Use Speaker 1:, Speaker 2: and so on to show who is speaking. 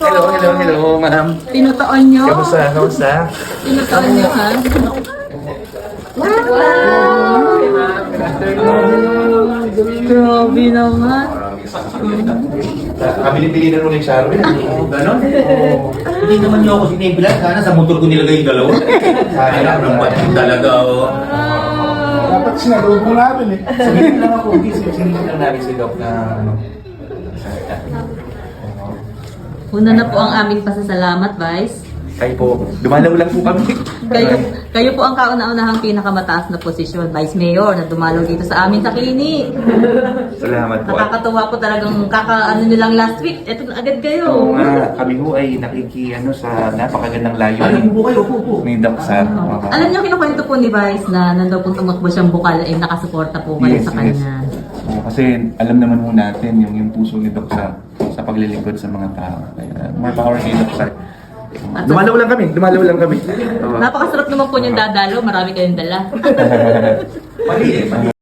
Speaker 1: po.
Speaker 2: Hello, ma'am.
Speaker 1: Tinutoon nyo.
Speaker 2: Kamusta?
Speaker 1: Tinutoon nyo, ha? Wow! Grabe naman.
Speaker 2: Pili na rin Sharon. Oo, ganon.
Speaker 3: Hindi naman niyo ako sinibilan. Sana sa motor ko nilagay yung dalawa. Sayang naman talaga.
Speaker 4: Dapat sinalubong namin eh.
Speaker 2: Sabihin lang ako, sinihin lang namin si Doc na ano.
Speaker 1: Una na po ang aming pasasalamat, Vice.
Speaker 2: Kayo po, dumalaw lang po kami.
Speaker 1: Kayo po ang kauna-unahang pinakamataas na posisyon, Vice Mayor, na dumalaw dito sa amin sa Kini.
Speaker 2: Salamat po.
Speaker 1: Nakakatuwa po talagang kakaano nyo lang last week. Eto na agad kayo.
Speaker 2: Oo nga, kami ho ay sa napakagandang layo
Speaker 3: Upo kayo, upo.
Speaker 2: ni Doc Sar.
Speaker 1: Alam niyo, kinukwento po ni Vice na nandun po tumakbo siyang bukal ay nakasuporta po kayo sa kanya.
Speaker 2: Kasi alam naman ho natin yung puso ni Doc sa paglilingkod sa mga tao. Kaya, more power kay Doc Sar. Dumalaw lang kami. Oo.
Speaker 1: Napakasarap naman po niyang dadalo. Marami kayong dala.
Speaker 3: Mali eh.